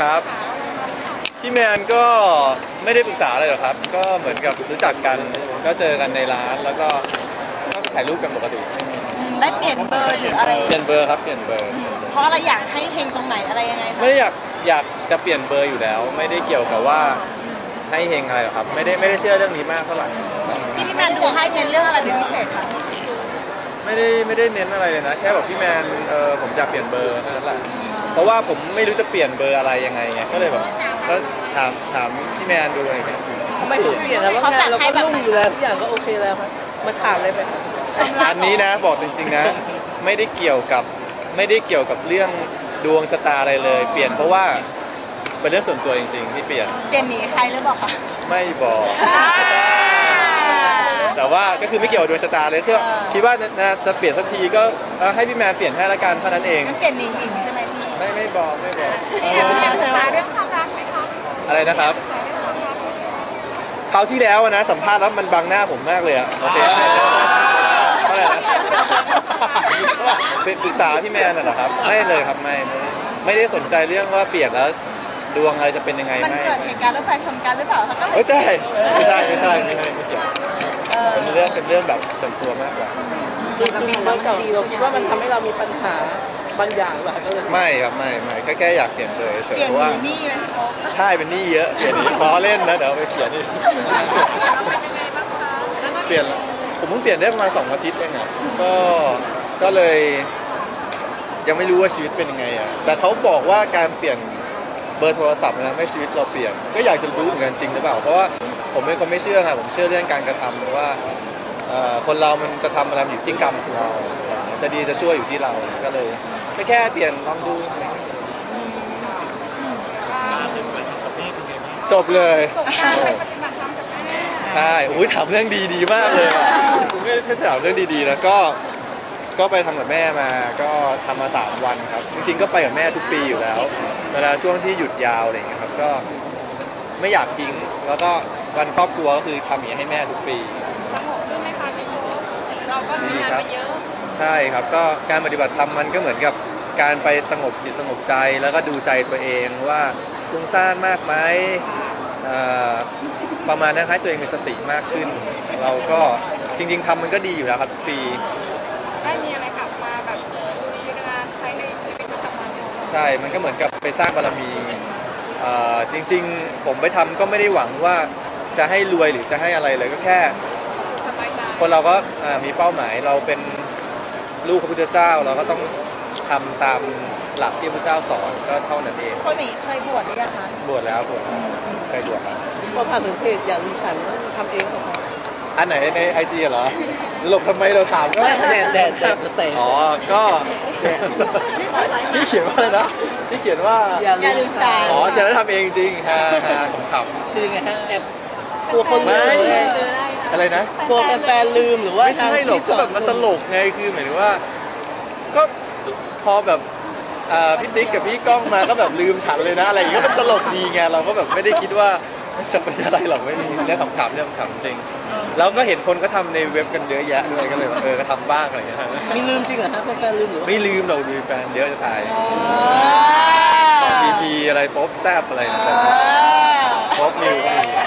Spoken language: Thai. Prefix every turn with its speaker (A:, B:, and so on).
A: ครับพี่แมนก็ไม่ได้ปรึกษาอะไรหรอกครับก็เหมือนกับรู้จักกันก็เจอกันในร้านแล้วก็ถ่ายรูปกันปกติ
B: ได้เปลี่ยนเบอร์หรืออะไร
A: เปลี่ยนเบอร์ครับเปลี่ยนเบอร์
B: เพราะอะไรอยากให้เฮงตรงไหนอะไรยังไงคะ
A: ไม่ได้อยากจะเปลี่ยนเบอร์อยู่แล้วไม่ได้เกี่ยวกับว่าให้เฮงอะไรหรอกครับไม่ได้เชื่อเรื่องนี้มากเท่าไหร่
B: พี่แมนดูให้เน้นเรื่องอะไรเป็นพิเศษคะ
A: ไม่ได้เน้นอะไรเลยนะแค่บอกพี่แมนผมอยากเปลี่ยนเบอร์เท่านั้นแหละเพราะว่าผมไม่รู้จะเปลี่ยนเบอร์อะไรยังไงไงก็เลยแบบก็ถามพี่แมนดูอะไรอย่างเงี้ย
C: ทำไมถึงเปลี่ยนแล้วว่างานเราก็รุ่งอยู่แล้วทุกอย่างก็โอเคแล้วครับมาขาดอะไรไป
A: อันนี้นะบอกจริงๆนะไม่ได้เกี่ยวกับเรื่องดวงชะตาอะไรเลยเปลี่ยนเพราะว่าเป็นเรื่องส่วนตัวจริงๆที่เปลี่ยน
B: หนีใครหรือเปล่าคะ
A: ไม่บอกแต่ว่าก็คือไม่เกี่ยวกับดวงชะตาเลยคือคิดว่าจะเปลี่ยนสักทีก็ให้พี่แมนเปลี่ยนให้ละกันเท่านั้นเอง
B: เปลี่ยนหนีหญิงใช่ไหมพี่
A: ไม่บอก
B: เรื่องความรักไหมคะ
A: อะไรนะครับคราวที่แล้วนะสัมภาษณ์แล้วมันบังหน้าผมมากเลยอะโอเคอะไรนะปรึกษาพี่แมนน่ะเหรอครับไม่เลยครับไม่ได้สนใจเรื่องว่าเปลี่ยนแล้วดวงอะไรจะเป็นยังไง
B: มันเกิดเหตุการณ์รถไฟชนกันหรือเปล่าคะก็
A: ไม่ใช่ไม่เกี่ยวเป็นเรื่องแบบส่วนตัวมากกว่า
C: คือบางทีเราคิดว่ามันทำให้เรามีปัญหาบางอย่างหรือเปล่า
A: ไม่ครับไม่แค่อยากเปลี่ยนเลยเฉยเพราะว่า
B: หนี้ไหม
A: ใช่เป็นหนี้เยอะเปลี่ยนล้อเล่นนะเดี๋ยวไปเขียนนี่เปลี่ยนผมเพิ่งเปลี่ยนได้ประมาณ2 อาทิตย์เองอ่ะก็เลยยังไม่รู้ว่าชีวิตเป็นยังไงอ่ะแต่เขาบอกว่าการเปลี่ยนเบอร์โทรศัพท์นะไม่ชีวิตเราเปลี่ยนก็อยากจะรู้เหมือนกันจริงหรือเปล่าเพราะว่าผมเป็นคนไม่เชื่อไงผมเชื่อเรื่องการกระทำว่าคนเรามันจะทำอะไรอยู่ที่กรรมของเราจะดีจะชั่วอยู่ที่เราก็เลยแค่เปลี่ยนลองดูจบเลยใช่อุ้ยถามเรื่องดีมากเลยไม่ถามเรื่องดีๆนะก็ไปทำกับแม่มาก็ทำมา3 วันครับจริงๆก็ไปกับแม่ทุกปีอยู่แล้วเวลาช่วงที่หยุดยาวอะไรอย่างเงี้ยครับก็ไม่อยากทิ้งแล้วก็วันครอบครัวก็คือทำอย่างนี้ให้แม่ทุกปี
B: สงบขึ้นไหมคะพี่เราก็มีงานไปเยอะ
A: ใช่ครับก็การปฏิบัติธรรมมันก็เหมือนกับการไปสงบจิตสงบใจแล้วก็ดูใจตัวเองว่าฟุ้งซ่านมากไหมประมาณนั้นให้ตัวเองมีสติมากขึ้นเราก็จริงๆทำมันก็ดีอยู่แล้วครับทุกปี
B: ได้มีอะไรกลับมาแบบลุยงานใช้ในชีวิตประจำวัน
A: ใช่มันก็เหมือนกับไปสร้างบารมีจริงๆผมไปทำก็ไม่ได้หวังว่าจะให้รวยหรือจะให้อะไรเลยก็แค่คนเราก็มีเป้าหมายเราเป็นลูกพระพุทธเจ้าเราก็ต้องทำตามหลักที่พระพุทธเจ้าสอนก็เท่านั้นเอง
B: เคยบวชหรือยังคะ
A: บวชแล้วเคยบวชแล้ว
C: พอผ่านถึงเพจอย่าลืมฉันทำเองเหรอคะ
A: อันไหนในIGเหรอหลบทำไมเราถามก็
C: แดด
A: อ๋อก็ที่เขียนว่าอะไรนะที่เขียนว่า
B: อย่าลืมฉัน
A: อ๋อจะได้ทำเองจริงฮะขำ
C: ๆคือไงฮะแอบกลัวคนลืม
A: อะไรนะ
C: กลัวแฟนลืมหรือว่า
A: ไม่ใช่หรอกก็แบบมันตลกไงคือหมายถึงว่าก็พอแบบพี่ติ๊กกับพี่ก้องมาก็แบบลืมฉันเลยนะอะไรอย่างเงี้ยก็เป็นตลกดีไงเราก็แบบไม่ได้คิดว่าจะเป็นอะไรหรอกไม่มีเรื่องขำๆเรื่องขำจริงแล้วก็เห็นคนก็ทำในเว็บกันเยอะแยะด้วยก็เลยก็ทำบ้างอะไรอย่างเงี้ย
C: มีลืมจริงเหรอฮะแฟนลืมหรือ
A: ไม่ลืมเราดูแฟนเยอะจะตายพีอะไรป๊อปแซบอะไรนะป๊อปนิว